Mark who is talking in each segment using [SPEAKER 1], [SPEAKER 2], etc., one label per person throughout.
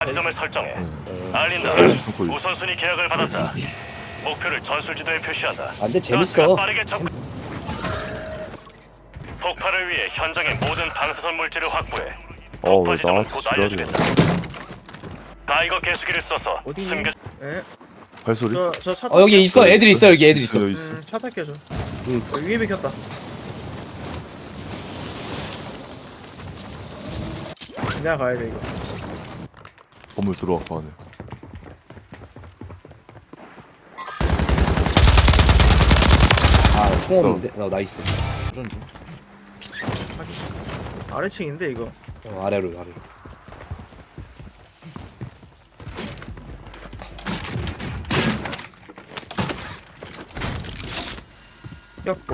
[SPEAKER 1] 지점을 설정해. 알린다. 우선순위 계약을 받았다. 목표를 전술지도에 표시한다.
[SPEAKER 2] 아, 근데 재밌어.
[SPEAKER 1] 빠르게 폭발을 위해 현장의 모든 방사선 물질을 확보해.
[SPEAKER 3] 왜
[SPEAKER 1] 지점은
[SPEAKER 3] 나한테
[SPEAKER 1] 곧
[SPEAKER 3] 지랄이야.
[SPEAKER 1] 알려주겠다. 가이거 개수기를 써서
[SPEAKER 4] 어디?
[SPEAKER 1] 숨겨.
[SPEAKER 4] 예.
[SPEAKER 3] 발소리?
[SPEAKER 4] 저차
[SPEAKER 2] 여기 있어. 애들 있어. 여기 애들 있어.
[SPEAKER 3] 여기 있어.
[SPEAKER 4] 차 탈게 저.
[SPEAKER 2] 응.
[SPEAKER 4] 위에 비켰다. 내가 가야 돼 이거.
[SPEAKER 3] 건물 들어와 그 안에.
[SPEAKER 2] 아, 총 없는데? 나이스. 도전 중.
[SPEAKER 4] 아래층인데 이거.
[SPEAKER 2] 아래로.
[SPEAKER 4] 꼈고.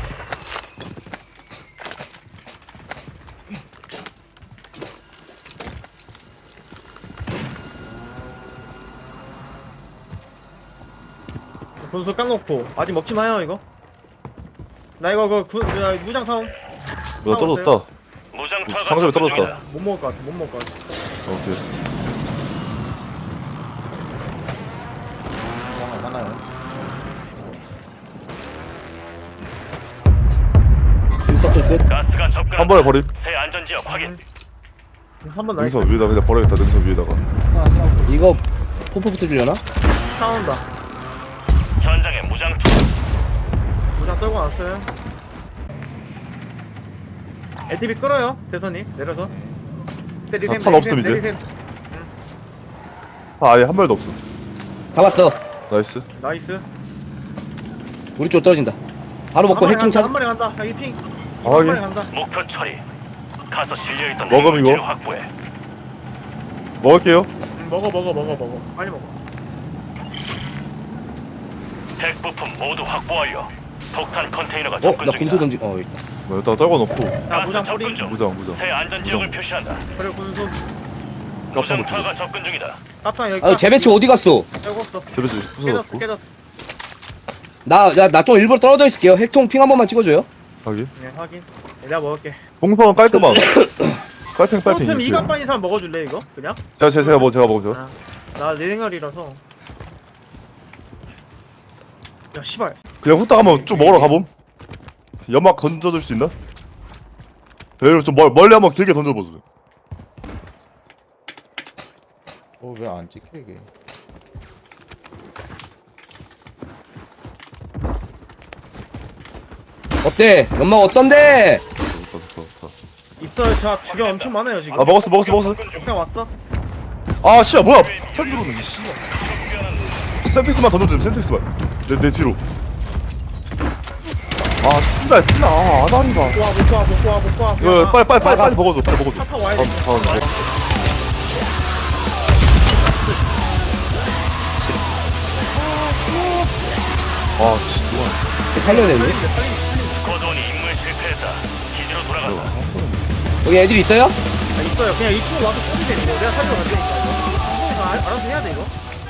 [SPEAKER 4] 분수 깡놓고 아직 먹지 마요 이거. 나 이거 나 무장 사옴.
[SPEAKER 3] 나 떨어졌다.
[SPEAKER 1] 무장 투하가
[SPEAKER 3] 상점에
[SPEAKER 1] 접근
[SPEAKER 3] 떨어졌다.
[SPEAKER 1] 중이다.
[SPEAKER 4] 못 먹을 것 같아. 못 먹을 것 같아.
[SPEAKER 3] 오케이.
[SPEAKER 2] 하나요. 인서클 끝.
[SPEAKER 1] 가스가 접근.
[SPEAKER 3] 한 번에 버림.
[SPEAKER 1] 새 안전 지역 확인.
[SPEAKER 4] 한번 나이스.
[SPEAKER 3] 능선 위에다 그냥 버려야겠다. 능선 위에다가.
[SPEAKER 2] 이거 포포부터 들려나?
[SPEAKER 4] 차 온다.
[SPEAKER 1] 현장에 무장 투.
[SPEAKER 4] 무장 떨고 왔어요. LTV 끌어요. 대선이 내려서. 때리셈.
[SPEAKER 3] 탄 없음, 이제.
[SPEAKER 4] 내리셈.
[SPEAKER 3] 아예 한 발도 없어.
[SPEAKER 2] 잡았어.
[SPEAKER 3] 나이스.
[SPEAKER 4] 나이스.
[SPEAKER 2] 우리 쪽 떨어진다. 바로 먹고 해킹 찾아.
[SPEAKER 4] 한 마리 간다. 여기 핑.
[SPEAKER 3] 아,
[SPEAKER 4] 한
[SPEAKER 3] 예.
[SPEAKER 4] 마리 간다.
[SPEAKER 1] 목표 처리. 가서 실려있던
[SPEAKER 3] 먹음,
[SPEAKER 1] 물질을
[SPEAKER 3] 이거?
[SPEAKER 1] 확보해.
[SPEAKER 3] 먹을게요.
[SPEAKER 4] 먹어. 빨리 먹어.
[SPEAKER 1] 핵 부품 모두 확보 완료. 폭탄 컨테이너가 접근
[SPEAKER 2] 나
[SPEAKER 1] 중이다.
[SPEAKER 2] 군소 던지. 이거.
[SPEAKER 3] 여기다가 떨궈 놓고.
[SPEAKER 4] 자, 무장
[SPEAKER 1] 접근
[SPEAKER 4] 뿌리.
[SPEAKER 1] 중.
[SPEAKER 3] 무장.
[SPEAKER 1] 새 안전 지역을
[SPEAKER 3] 무장.
[SPEAKER 1] 표시한다.
[SPEAKER 4] 그래 군수.
[SPEAKER 3] 깜짝
[SPEAKER 1] 무장
[SPEAKER 3] 놀랐어.
[SPEAKER 1] 투하가 접근 중이다.
[SPEAKER 4] 깝상 여기.
[SPEAKER 2] 아, 재배치 어디 갔어?
[SPEAKER 4] 빼고었어.
[SPEAKER 3] 데뷔지 부서졌고.
[SPEAKER 4] 깨졌어.
[SPEAKER 2] 나 좀 일부러 떨어져 있을게요. 핵통 핑 한 번만 찍어줘요.
[SPEAKER 3] 하기.
[SPEAKER 4] 네 확인. 내가 먹을게.
[SPEAKER 3] 동선 깔끔함. 빨팽.
[SPEAKER 4] 프로템 이갑반인 사람 먹어줄래 이거? 그냥?
[SPEAKER 3] 제가 먹어줘.
[SPEAKER 4] 아, 나내 생활이라서. 야 씨발.
[SPEAKER 3] 그냥 후딱 한번 쭉 먹으러 가봄. 연막 던져줄 수 있나? 여기로 좀 멀리 한번 길게 던져보세요.
[SPEAKER 5] 왜 안 찍혀 이게?
[SPEAKER 2] 어때? 연막 어떤데?
[SPEAKER 3] 좋다.
[SPEAKER 4] 입설 자 주변 엄청 많아요 지금.
[SPEAKER 3] 아 먹었어.
[SPEAKER 4] 옥상 왔어?
[SPEAKER 3] 아 씨야 뭐야? 편 들어오네 이 씨. 센텍스만 던져주면 센텍스만. 내 뒤로. 아 씨발 진짜 아다리가.
[SPEAKER 4] 못 와.
[SPEAKER 3] 이거 빨리 먹어줘.
[SPEAKER 4] 차 타고 와야 돼.
[SPEAKER 3] 아 진짜.
[SPEAKER 2] 살려야 되는데?
[SPEAKER 1] 거돈이 임무에 실패했다. 기지로 돌아간다.
[SPEAKER 2] 여기 애들 있어요?
[SPEAKER 4] 아, 있어요. 그냥 2층으로 와서 쏘면 돼. 이거. 내가 살려 갈 테니까 이거. 이거 알아서 해야 돼 이거.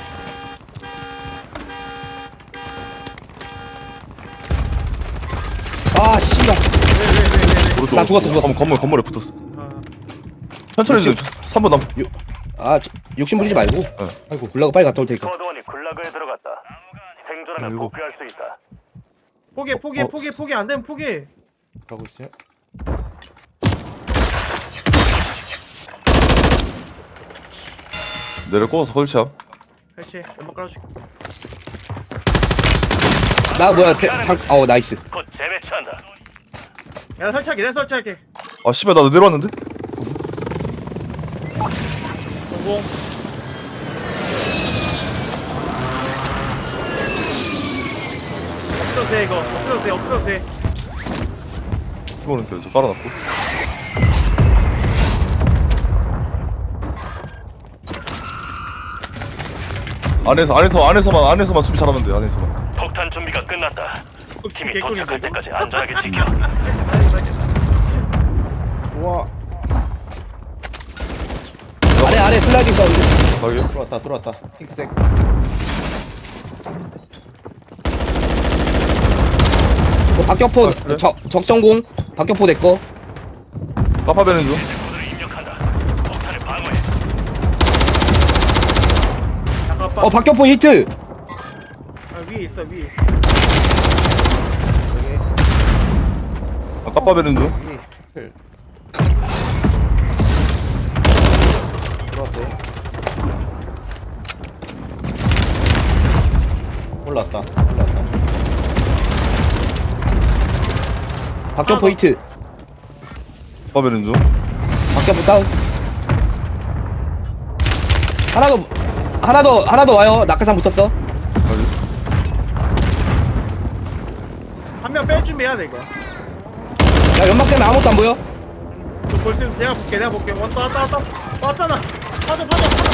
[SPEAKER 2] 아, 씨발.
[SPEAKER 4] 왜.
[SPEAKER 2] 나 죽었어.
[SPEAKER 3] 건물에 붙었어.
[SPEAKER 4] 아,
[SPEAKER 3] 천천히 좀 3번 남.
[SPEAKER 2] 아, 욕심 부리지 말고. 아이고, 굴라고 빨리 갔다 올 테니까.
[SPEAKER 1] 거돈이 굴락에 들어갔다. 생존하면
[SPEAKER 3] 아이고.
[SPEAKER 1] 복귀할 수 있다.
[SPEAKER 4] 포기 안 되면 포기.
[SPEAKER 5] 가고 있어요?
[SPEAKER 3] 내려 꽂아서 설치함.
[SPEAKER 4] 그렇지. 연막 깔아줄게.
[SPEAKER 2] 나 뭐야, 나이스.
[SPEAKER 1] 곧 재배치한다.
[SPEAKER 4] 야, 내가 설치할게.
[SPEAKER 3] 아 씨발 나 내려왔는데?
[SPEAKER 4] 성공. 엎드려도 돼 이거. 엎드려도 돼.
[SPEAKER 3] 이거는 계속 깔아놨고. 안에서만 수비 잘하면 돼. 안에서만.
[SPEAKER 1] 폭탄 준비가 끝났다. 팀이
[SPEAKER 4] 개꿀인데,
[SPEAKER 1] 도착할
[SPEAKER 4] 이거?
[SPEAKER 1] 때까지 안전하게 지켜.
[SPEAKER 5] 우와
[SPEAKER 2] 아래 슬라이딩 사운드.
[SPEAKER 3] 가게.
[SPEAKER 5] 들어왔다 핑크색.
[SPEAKER 2] 박격포,
[SPEAKER 3] 그래?
[SPEAKER 2] 적정공. 박격포 내꺼.
[SPEAKER 3] 까파베는 중.
[SPEAKER 1] 모두를 입력한다. 폭탄을 방어해.
[SPEAKER 4] 아빠.
[SPEAKER 2] 박격포 히트.
[SPEAKER 4] 아, 위에 있어 위에 있어.
[SPEAKER 5] 여기
[SPEAKER 3] 아, 까빠베는 중.
[SPEAKER 5] 여기 필 들어왔어요. 올랐다.
[SPEAKER 2] 박격포
[SPEAKER 4] 아,
[SPEAKER 2] 히트.
[SPEAKER 3] 까빠베는 중.
[SPEAKER 2] 박격포 다운. 하나 더 와요. 낙하산 붙었어.
[SPEAKER 3] 아니,
[SPEAKER 4] 한 명 뺄 준비해야 돼 이거.
[SPEAKER 2] 야, 연막 때문에 아무것도 안 보여.
[SPEAKER 4] 저 볼수 내가 볼게. 왔다. 왔잖아. 파져.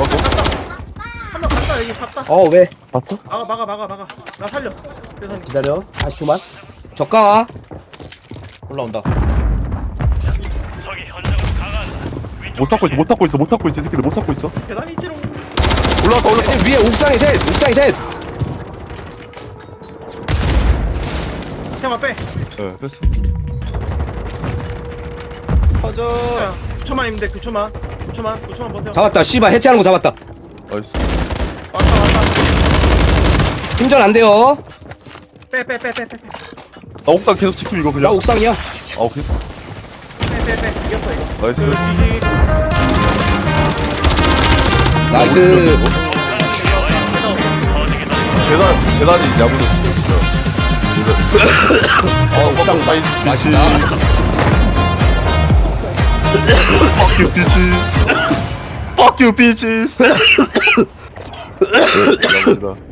[SPEAKER 4] 한명 갔다 여기 갔다.
[SPEAKER 2] 왜?
[SPEAKER 4] 막아. 나 살려. 그래서
[SPEAKER 2] 기다려. 다시 주만. 저가.
[SPEAKER 5] 올라온다.
[SPEAKER 1] 적이 현장으로 강화한다. 위쪽
[SPEAKER 3] 못 잡고 있어. 이 새끼들 못 잡고 있어.
[SPEAKER 4] 계단이 있지롱.
[SPEAKER 3] 올라왔다.
[SPEAKER 2] 얘들 위에 옥상에 셋.
[SPEAKER 4] 태마 빼.
[SPEAKER 3] 예, 뺐어.
[SPEAKER 5] 터져.
[SPEAKER 4] 자, 9초만 있는데 9초만 버텨.
[SPEAKER 2] 잡았다. 씨발 해체하는 거 잡았다.
[SPEAKER 3] 나이스.
[SPEAKER 4] 왔다.
[SPEAKER 2] 힘전 안 돼요.
[SPEAKER 4] 빼.
[SPEAKER 3] 나 옥상 계속 지킴 이거
[SPEAKER 2] 나
[SPEAKER 3] 그냥.
[SPEAKER 2] 옥상이야.
[SPEAKER 3] 아, 오케이.
[SPEAKER 4] 빼. 이겼어 이거.
[SPEAKER 3] 나이스.
[SPEAKER 4] GG.
[SPEAKER 2] 나이스.
[SPEAKER 3] 계단이 야무졌어, 진짜.
[SPEAKER 2] 옥상 맛있다.
[SPEAKER 3] Fuck you, bitches. Fuck you, bitches. 야무지다.